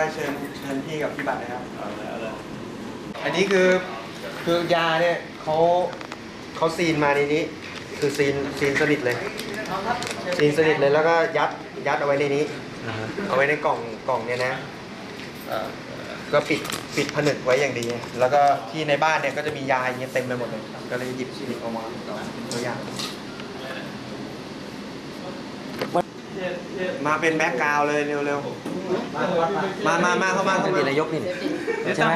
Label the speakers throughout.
Speaker 1: เชิญพี่กับพี่บัตรนะครับอันนี้คือยาเนี่ยเขาซีนมาในนี้คือซีนสนิทเลยซีนสนิทเลยแล้วก็ยัดเอาไว้ในนี้เอาไว้ในกล่องเนี่ยนะก็ปิดผนึกไว้อย่างดีแล้วก็ที่ในบ้านเนี่ยก็จะมียาอย่างเงี้ยเต็มไปหมดเลยก็เลยหยิบออกมาตัวอย่างมาเป็นแบ็คกราวด์เลยเร็วๆมาเข้ามาเป็นนายกนี่ใช่ไหม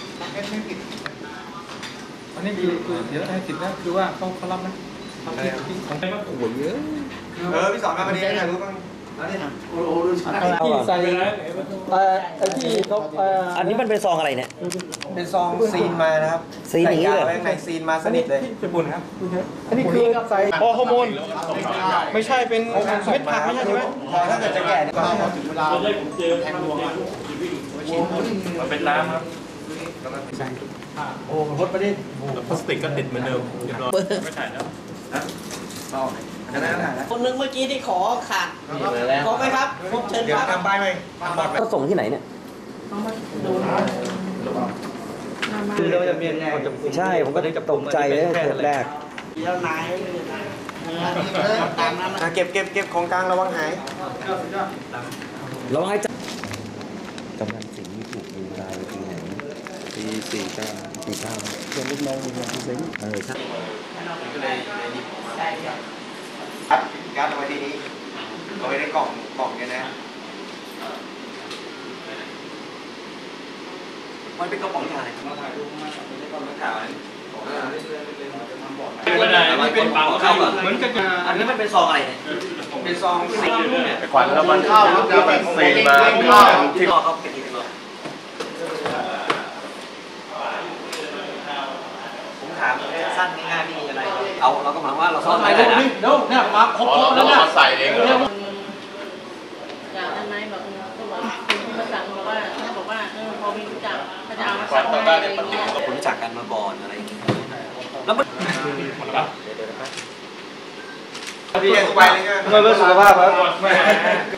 Speaker 2: อันนี้คือเดี๋ยวให้สิทธิ์นะคือว่าเขารับนะของใครก็โอ้ยเยอะ
Speaker 1: พี่สอนมาวันนี้ถ่ายรูปบ้าง
Speaker 2: ที่ใส่ไอ้ที่เขา
Speaker 3: อันนี้มันเป็นซองอะไรเนี่ย
Speaker 1: เป็นซองซีนมานะครับ
Speaker 3: ซีนอย่างนี้เลย
Speaker 1: ในซีนมาสนิทเลย
Speaker 2: ญี่ปุ่นครับอันนี้คือใส่ฮอร์โมนไม่ใช่เป็นเม็ดผักไม่ใช่ไหม
Speaker 1: ถ้าเกิดจะแก่ก็ถึงเวลา
Speaker 4: ผมเจอแทงดวงมันเป็นน้ำครับ
Speaker 1: โอ้รถไปดิ
Speaker 4: พลาสติกก็ติดเหมือนเดิมเรียบร้อยไม่ถ่ายแล้ว
Speaker 5: คนนึงเมื่อกี้ที่ขอขาดขอไหมครับผมเชิญครับ
Speaker 1: ทำป้ายไหม
Speaker 3: ก็ส่งที่ไหนเนี่ย
Speaker 1: คือเราจะเมียนไง
Speaker 3: ใช่ผมก็ตกใจเลยเทปแรก
Speaker 5: แล้วนายตามนั้นนะ
Speaker 1: เก็บของกลางระวังหาย
Speaker 3: ระวังให้กำลังสิงห์ถูกดูรายปีไหนปี49เพื่อนลูกน้องปีสิงห์ใช่
Speaker 1: ก็เลยหยิบยัดเอาไว้ที่นี้เอาไว้ในกล่องเนี่ยนะ
Speaker 3: มันเป็นกระป๋องยาเลย
Speaker 4: ไม่ได้ไม่เป็นเปล่าเข้าเหมือนกัน
Speaker 3: อันนี้มันเป็นซองอะไรเนี่ย
Speaker 1: เป็นซองซี
Speaker 4: นขวัญแล้วมันเข้าแล้วมันซีนมาเข้า
Speaker 3: ที่เขาเป็นอีกแล้วผมถามสั้นง่ายๆไม่มีอะไรเราก็หมายว่าเราซ่อนไว้ได้นะ
Speaker 2: เดี๋ยวเนี่ยมาครบแล้วนะ
Speaker 4: มาใส่เอง
Speaker 5: จากนั้นนายบอกก็บอกคุณมาสั่งบอกว่าพอมีรู้จักถ้าจะเอามาสั่งอะไรอย่างเงี้ย
Speaker 3: คุณรู้จักกันมาก่อนอะไรอย่างเงี้ยแล้วมัน
Speaker 1: พี่ไปเลยเพื่อสุขภาพครับ